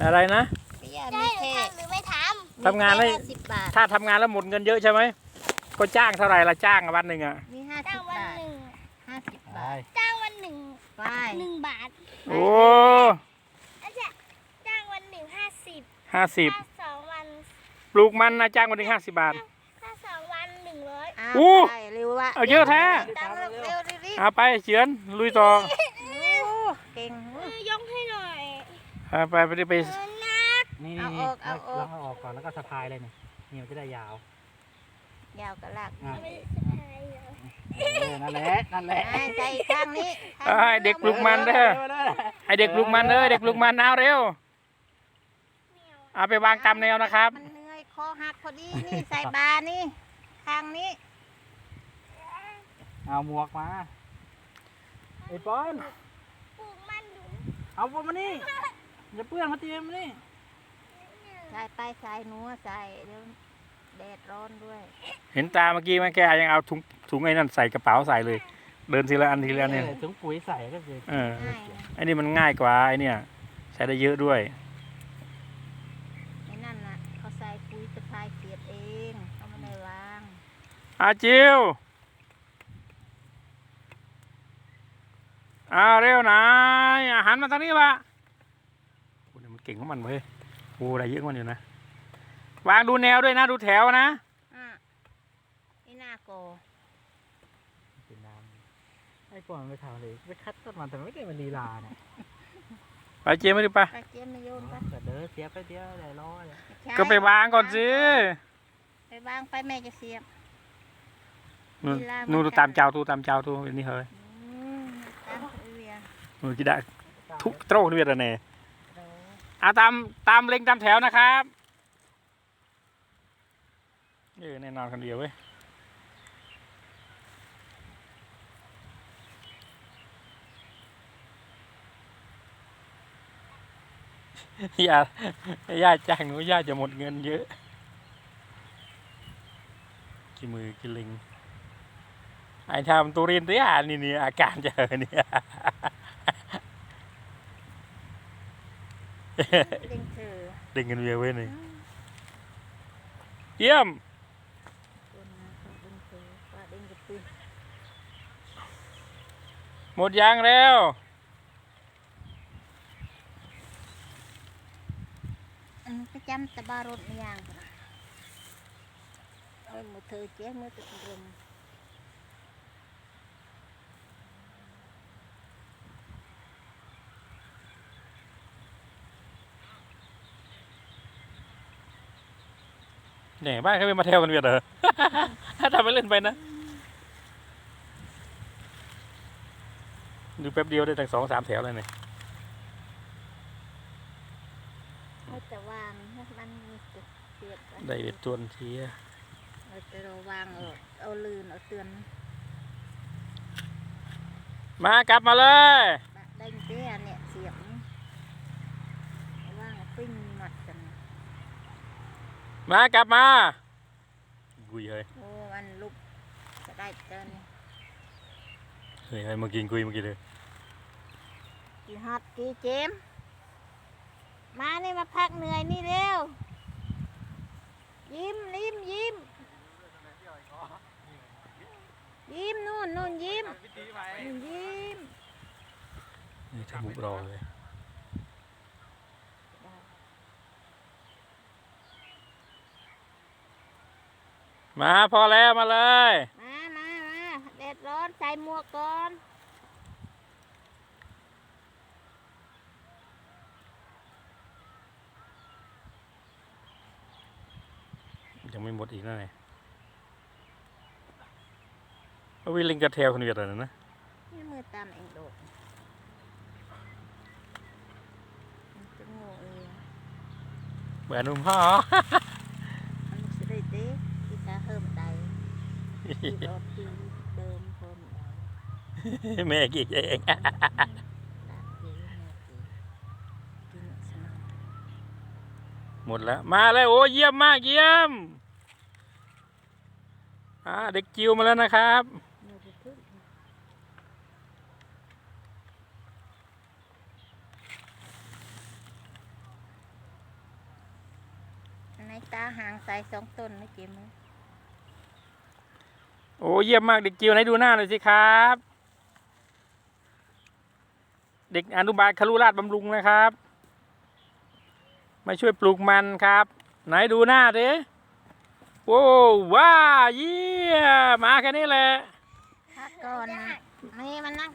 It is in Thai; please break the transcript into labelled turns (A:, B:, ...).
A: อะไรนะ
B: ได้หรือทำหรือไม่ทำ
A: ทำงานได้
B: 50 บาท
A: ถ้าทำงานแล้วหมดเงินเยอะใช่ไหมก็จ้างเท่าไหร่ละจ้างวันหนึ่งอ่ะ
B: มีจ้างวันหนึ่ง
C: ได้
B: จ้างวันหนึ่ง1 บาท
A: โอ้
B: อาจจะจ้างวันหนึ่ง50
A: 50
B: ถ้า2 วัน
A: ปลูกมันนะจ้างวันหนึ่ง50 บาท
B: ถ้า2 วัน100
A: อู้
D: เร็ววะ
A: เอาเยอะแท้
D: ตั้งเร็วรีบ
A: เอาไปเฉือนลุยต่อ
D: เก่ง
B: ยกให้หน่อย
A: เอาไปไป
B: นัก
C: นี่
D: เอาออกเอาออก
C: ลองเอาออกก่อนแล้วก็สะพายเลยนี่นี่มันจะได้ยาว
D: ยาวกระลาก
C: อ่ะ
B: ไม่ได้สะพายเหรอ
C: นั่นแหละนั่นแหละ
D: ใส่ข้างนี้
A: ให้เด็กปลูกมันเด้อให้เด็กปลูกมันเด็กปลูกมันเอาเร็วเอาไปวางตามแนวนะครับ
D: มันเหนื่อยคอหักพอดีนี่ใส่บานี่ข้างนี้
C: เอาหมวกมาไอ้ป้อน
B: ปลูกมันดู
C: เอาพวกมานี่อย่าเปื้อนมาเตรียมมานี่
D: ใส่ไปใส่หนูใส่เดี๋ยวแดดร้อนด้วย
A: เห็นตาเมื่อกี้ไหมแกยังเอาถุงไอ้นั่นใส่กระเป๋าใส่เลย เดินทีละอันทีละอันเนี่ย
C: ถุงปุ๋ยใส่ก็คือ
D: ง่าย
A: ไอ้นี่มันง่ายกว่าไอ้เนี่ยใช้ได้เยอะด้วย
D: ไอ้นั่นน่ะเขาใส่ปุ๋ยสะพายเกียดเองเขาไม่ได้วาง
A: อาจิวเร็วนะหันมาทางนี้วะโอ้เนี่ยมันเก่งของมันเว้ยโอ้ได้เยอะกว่ามันอยู่นะวางดูแนวด้วยนะดูแถวนะ
D: ไอ้หน้าโก
C: เป็นน้ำไอ้ป้อนไปทำเลยไปคัดต้นมันแต่ไม่ได้มาลีลาเนี่ย
A: ไปเจมไม่ดูปะ
D: ไปเจียมมาโยนไป
C: แต่เด้อเสียไปเดียวได้ร้อย
A: ก็ไปวางก่อนสิ
D: ไปวางไปแม่จะเสียบ
A: นู่นดูตามเจ้าตูนี่เฮ้ย
D: ตามเวีย
A: นู่นกี่ได้ทุกโตรนี่เวียดเนี่ย
D: โด
A: ตามเล็งตามแถวนะครับแน่นอนคนเดียวเว้ยย่าจ้างหนูย่าจะหมดเงินเยอะกี่มือกี่ลิงไอ้ทำตัวเรียนตัวนี่อาการเจอเนี่ย
D: เด้งเธอ
A: เด้งกันเวียเว้ยนี่เยี่ยม
D: ตัวนั้นเขาเด้งเธอว่าเด้งกระตุ้น
A: หมดยางแล้ว
D: ก็จำตะบารถอย่างมือเธอเจ๊มือตะกรุม
A: เนี่ยบ้านเขาไม่มาเที่ยวกันเวียดเหรอ ถ้าทำไปเล่นไปนะดูแป๊บเดียวได้ตั้ง2-3 แถวเลยเนี่ย
D: เขาจะวางมันมีจุดเสียบ
A: ได้เบ็ดจวนเชีย
D: เราจะวางเอาลื่นเอาเตือน
A: มากลับมาเลย
D: เด้งเตี้ยเนี่ยเสียบว่างปิ้งหมัดกัน
A: มากลับมากุยเฮ้ย
D: โอ้มันลุกจะได้เจอนี่
A: เฮ้ยมากินกุยเมื่อกี้เลย
D: กี่ฮอตกี่เจมมานี่มาพักเหนื่อยนี่เร็วยิ้มยิ้มยิ้มยิ้มนู่นยิ้มยิ้ม
A: นี่ทำมุกรอเลยมาพอแล้วมาเลย
D: มาแดดร้อนใส่หมวกก่อน
A: ยังไม่หมดอีกนะเนี่ยวิลิงกระเทลคนเวียดอะไรนะ
D: นี่มือตามเองโดดมันจะโง่เอง
A: เบื่อนุ่มพ่อ
D: มันจะได้เด็กที่ตาเฮิมใจที่รถที่เดิมคนเรา
A: แม่กี่เอง
D: ตามกี่แม่กี่กินสนุก
A: หมดแล้วมาเลยโอ้เยี่ยมมากเยี่ยมเด็กจิวมาแล้วนะครับ
D: มือจะพึ่งตาหางใส่2 ต้นไม่เจ็บมั้ย
A: โอ้เยี่ยมมากเด็กจิ๋วไหนดูหน้าหน่อยสิครับ เด็กอนุบาลครุราชบำรุงนะครับมาช่วยปลูกมันครับ ไหนดูหน้าดิโอ้ว้าเยี่ยมมาแค่นี้แหละ
D: พักก่อนนี่มันนั่ง